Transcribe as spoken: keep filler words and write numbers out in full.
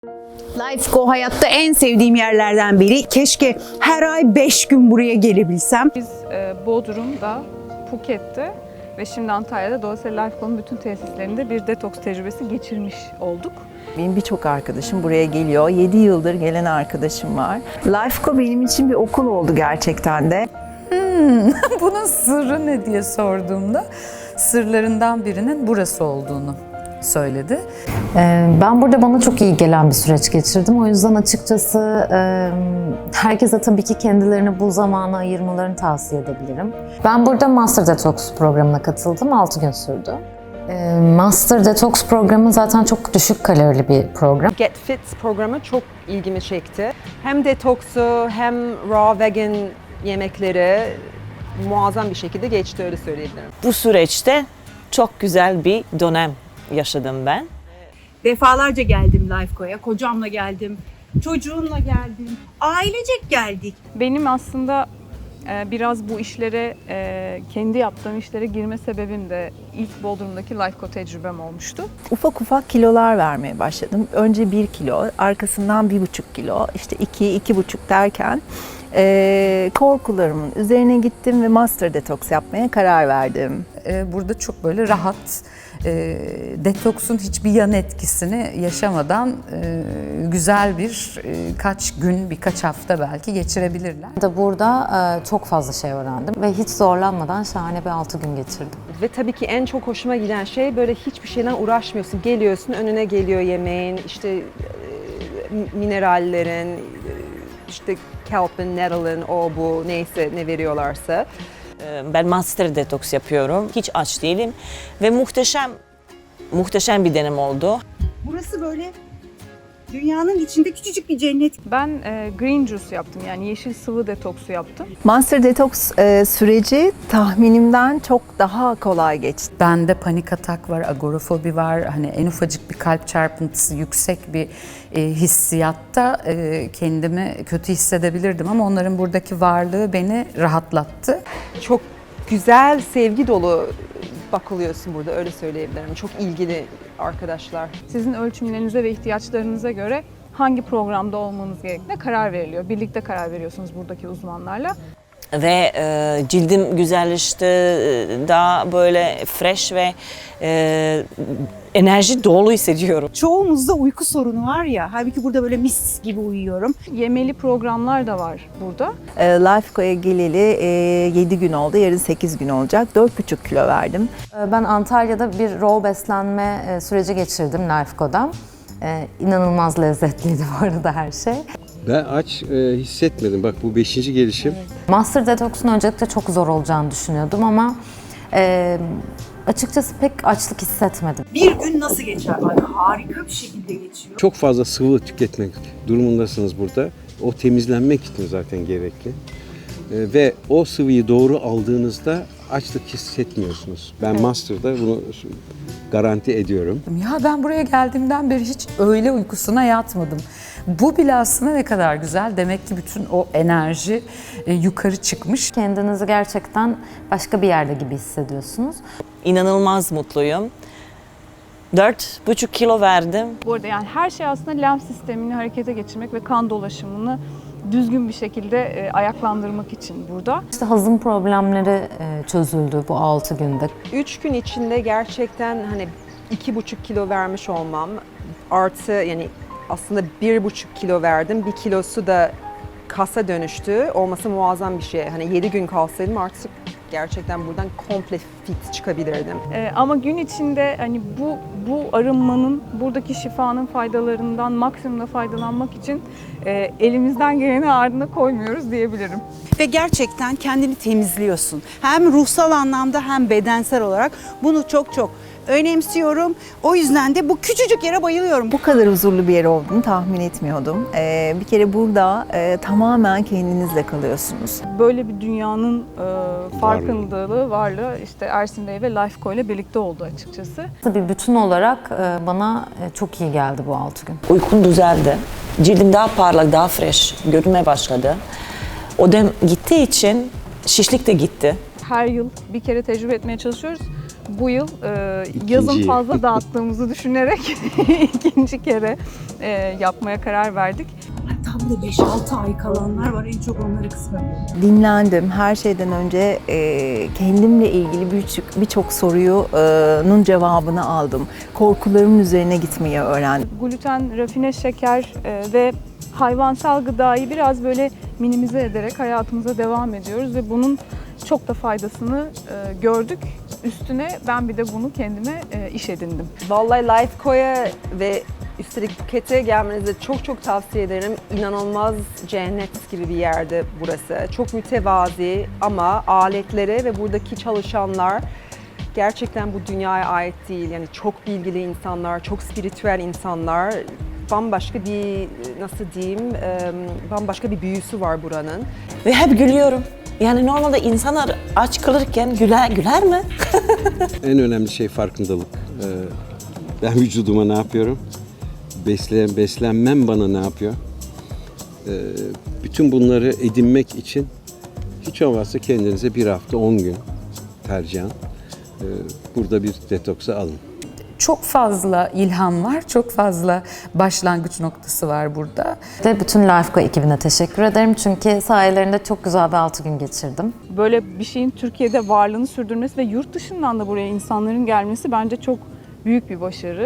Lifeco hayatta en sevdiğim yerlerden biri. Keşke her ay beş gün buraya gelebilsem. Biz e, Bodrum'da, Phuket'te ve şimdi Antalya'da dolayısıyla Lifeco'nun bütün tesislerinde bir detoks tecrübesi geçirmiş olduk. Benim birçok arkadaşım buraya geliyor. yedi yıldır gelen arkadaşım var. Lifeco benim için bir okul oldu gerçekten de. Hmm, bunun sırrı ne diye sorduğumda sırlarından birinin burası olduğunu söyledi. Ben burada bana çok iyi gelen bir süreç geçirdim. O yüzden açıkçası herkese tabii ki kendilerine bu zamanı ayırmalarını tavsiye edebilirim. Ben burada Master Detox programına katıldım. altı gün sürdü. Master Detox programı zaten çok düşük kalorili bir program. Get Fit programı çok ilgimi çekti. Hem detoksu hem raw vegan yemekleri muazzam bir şekilde geçti, öyle söyleyebilirim. Bu süreçte çok güzel bir dönem yaşadım ben. Defalarca geldim Lifeco'ya. Kocamla geldim, çocuğumla geldim, ailecek geldik. Benim aslında e, biraz bu işlere, e, kendi yaptığım işlere girme sebebim de ilk Bodrum'daki Lifeco tecrübem olmuştu. Ufak ufak kilolar vermeye başladım. Önce bir kilo, arkasından bir buçuk kilo, işte iki, iki buçuk derken e, korkularımın üzerine gittim ve Master Detox yapmaya karar verdim. Burada çok böyle rahat, e, detoksun hiçbir yan etkisini yaşamadan e, güzel bir e, kaç gün, birkaç hafta belki geçirebilirler. Da burada e, çok fazla şey öğrendim ve hiç zorlanmadan şahane bir altı gün geçirdim. Ve tabii ki en çok hoşuma giden şey, böyle hiçbir şeyden uğraşmıyorsun. Geliyorsun, önüne geliyor yemeğin, işte e, minerallerin, e, işte kelp'in, nettle'ın, o bu neyse ne veriyorlarsa. Ben Master Detox yapıyorum. Hiç aç değilim ve muhteşem muhteşem bir deneyim oldu. Burası böyle dünyanın içinde küçücük bir cennet. Ben e, green juice yaptım, yani yeşil sıvı detoksu yaptım. Master Detox e, süreci tahminimden çok daha kolay geçti. Bende panik atak var, agorafobi var. Hani en ufacık bir kalp çarpıntısı, yüksek bir e, hissiyatta e, kendimi kötü hissedebilirdim ama onların buradaki varlığı beni rahatlattı. Çok güzel, sevgi dolu bakılıyorsun burada, öyle söyleyebilirim. Çok ilgili arkadaşlar. Sizin ölçümlerinize ve ihtiyaçlarınıza göre hangi programda olmanız gerektiğine karar veriliyor. Birlikte karar veriyorsunuz buradaki uzmanlarla. Ve e, cildim güzelleşti, daha böyle fresh ve e, enerji dolu hissediyorum. Çoğumuzda uyku sorunu var ya, halbuki burada böyle mis gibi uyuyorum. Yemeli programlar da var burada. E, Lifeco'ya geleli e, yedi gün oldu, yarın sekiz gün olacak. dört buçuk kilo verdim. Ben Antalya'da bir raw beslenme süreci geçirdim Lifeco'da. İnanılmaz lezzetliydi bu arada her şey. Ben aç e, hissetmedim. Bak bu beşinci gelişim. Master Detox'un öncelikle çok zor olacağını düşünüyordum ama e, açıkçası pek açlık hissetmedim. Bir gün nasıl geçer? Ay, harika bir şekilde geçiyor. Çok fazla sıvı tüketmek durumundasınız burada. O temizlenmek için zaten gerekli. E, ve o sıvıyı doğru aldığınızda açlık hissetmiyorsunuz. Ben Master'da bunu garanti ediyorum. Ya ben buraya geldiğimden beri hiç öğle uykusuna yatmadım. Bu bile aslında ne kadar güzel. Demek ki bütün o enerji e, yukarı çıkmış. Kendinizi gerçekten başka bir yerde gibi hissediyorsunuz. İnanılmaz mutluyum. dört buçuk kilo verdim. Bu arada yani her şey aslında lenf sistemini harekete geçirmek ve kan dolaşımını düzgün bir şekilde e, ayaklandırmak için burada. İşte hazım problemleri e, çözüldü bu altı günde. Üç gün içinde gerçekten hani iki buçuk kilo vermiş olmam artı, yani aslında bir buçuk kilo verdim. Bir kilosu da kasa dönüştü. Olması muazzam bir şey. Hani yedi gün kalsaydım artık gerçekten buradan komple fit çıkabilirdim. E, ama gün içinde hani bu bu arınmanın, buradaki şifanın faydalarından maksimumda faydalanmak için e, elimizden geleni ardına koymuyoruz diyebilirim. Ve gerçekten kendini temizliyorsun. Hem ruhsal anlamda hem bedensel olarak bunu çok çok önemsiyorum. O yüzden de bu küçücük yere bayılıyorum. Bu kadar huzurlu bir yer olduğunu tahmin etmiyordum. E, bir kere burada e, tamamen kendinizle kalıyorsunuz. Böyle bir dünyanın e, farkındalığı, varlığı işte Ersin Bey ve Lifeco ile birlikte oldu açıkçası. Bir bütün olarak e, bana e, çok iyi geldi bu altı gün. Uykum düzeldi. Cildim daha parlak, daha fresh görünmeye başladı. Odem gittiği için şişlik de gitti. Her yıl bir kere tecrübe etmeye çalışıyoruz. bu yıl e, yazın İkinci. fazla dağıttığımızı düşünerek ikinci kere e, yapmaya karar verdik. Tam da beş altı ay kalanlar var. En çok onları kıskanıyorum. Dinlendim. Her şeyden önce e, kendimle ilgili birçok birçok sorunun cevabını aldım. Korkularımın üzerine gitmeyi öğrendim. Gluten, rafine şeker e, ve hayvansal gıdayı biraz böyle minimize ederek hayatımıza devam ediyoruz ve bunun çok da faydasını e, gördük. Üstüne ben bir de bunu kendime e, iş edindim. Vallahi Lifeco'ya ve üstelik Phuket'e gelmenizi çok çok tavsiye ederim. İnanılmaz cennet gibi bir yerde burası. Çok mütevazi ama aletleri ve buradaki çalışanlar gerçekten bu dünyaya ait değil. Yani çok bilgili insanlar, çok spiritüel insanlar. Bambaşka bir, nasıl diyeyim, bambaşka bir büyüsü var buranın. Ve hep gülüyorum. Yani normalde insanlar aç kalırken güler, güler mi? En önemli şey farkındalık. Ee, ben vücuduma ne yapıyorum? Beslen, beslenmem bana ne yapıyor? Ee, bütün bunları edinmek için hiç olmazsa kendinize bir hafta on gün tercihen e, burada bir detoksa alın. Çok fazla ilham var, çok fazla başlangıç noktası var burada. De bütün Lifeco ekibine teşekkür ederim çünkü sayelerinde çok güzel bir altı gün geçirdim. Böyle bir şeyin Türkiye'de varlığını sürdürmesi ve yurt dışından da buraya insanların gelmesi bence çok büyük bir başarı.